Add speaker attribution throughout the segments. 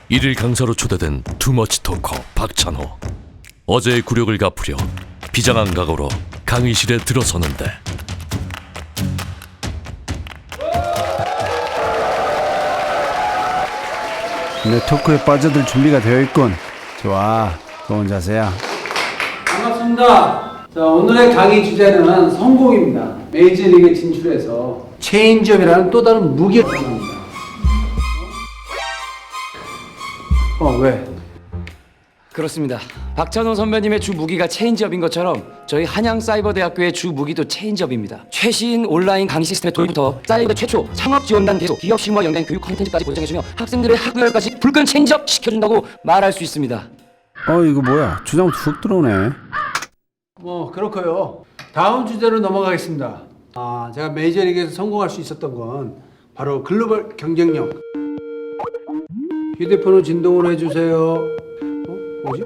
Speaker 1: 일일 강사로 초대된 투머치 토커 박찬호. 어제의 굴욕을 갚으려 비장한 각오로 강의실에 들어서는데
Speaker 2: 내 토크에 빠져들 준비가 되어 있군. 좋아, 좋은 자세야.
Speaker 3: 반갑습니다. 자, 오늘의 강의 주제는 성공입니다. 메이저리그에 진출해서 체인지업이라는 또 다른 무기를 사용합니다. 왜?
Speaker 4: 그렇습니다. 박찬호 선배님의 주 무기가 체인지업인 것처럼 저희 한양사이버대학교의 주 무기도 체인지업입니다. 최신 온라인 강의 시스템의 도입부터 사이버 최초 창업지원단 개소, 기업 실무와 연계된 교육 콘텐츠까지 보장해주며 학생들의 학구열까지 불끈 체인지업 시켜준다고 말할 수 있습니다.
Speaker 2: 이거 뭐야? 주장 툭 들어오네.
Speaker 3: 그렇고요. 다음 주제로 넘어가겠습니다. 제가 메이저리그에서 성공할 수 있었던 건 바로 글로벌 경쟁력. 휴대폰을 진동으로 해주세요. 뭐지?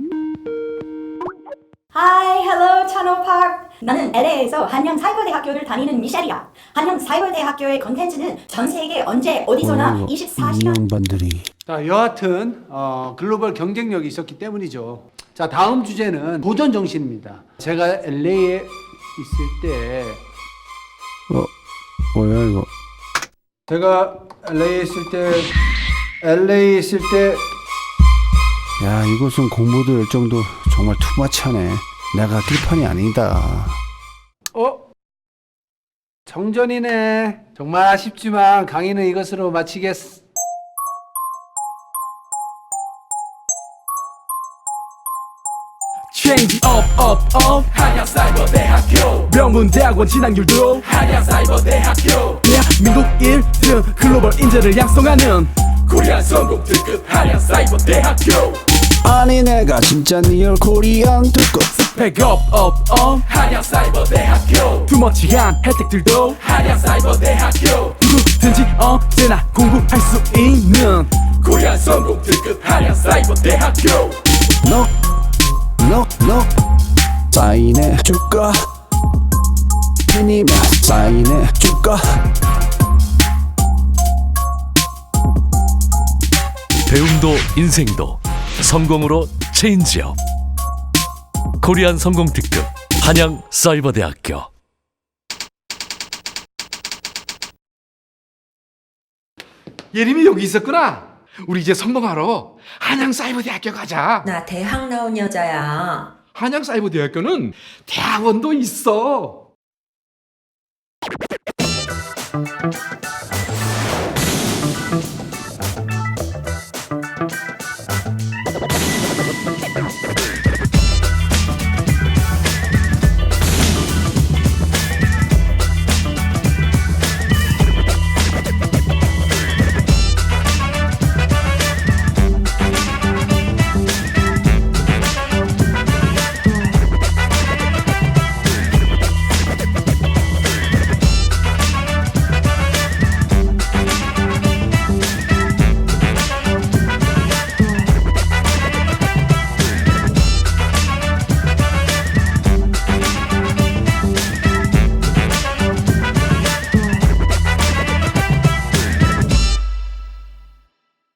Speaker 5: Hi, hello, 찬호팍. 나는 LA에서 한양사이버대학교를 다니는 미셸이야. 한양사이버대학교의 컨텐츠는 전 세계 언제 어디서나 24시간.
Speaker 2: 인형반들이.
Speaker 3: 자, 여하튼 글로벌 경쟁력이 있었기 때문이죠. 자, 다음 주제는 도전 정신입니다. 제가 LA에 있을 때
Speaker 2: 뭐야 이거?
Speaker 3: 제가 LA에 있을 때
Speaker 2: 야, 이곳은 공부도 열정도 정말 투마치하네. 내가 뜰판이 아니다.
Speaker 3: 정전이네. 정말 아쉽지만 강의는 이것으로 마치겠어.
Speaker 6: Change up 한양사이버대학교 명문대학원 진학률도 한양사이버대학교 대한민국 1등 글로벌 인재를 양성하는 코리안 성공 특급 한양사이버대학교
Speaker 2: 아니 내가 진짜 리얼 코리안 특급.
Speaker 6: 백업 한양사이버대학교 투머치한 혜택들도 한양사이버대학교 누구든지 언제나 공부할 수 있는 코리안 성공 특급 한양사이버대학교
Speaker 2: 너 사인해 줄까? 팬이면 사인해 줄까?
Speaker 1: 배움도 인생도 성공으로 체인지업. 코리안 성공 특급 한양사이버대학교.
Speaker 6: 예림이 여기 있었구나. 우리 이제 성공하러 한양사이버대학교 가자.
Speaker 7: 나 대학 나온 여자야.
Speaker 6: 한양사이버대학교는 대학원도 있어.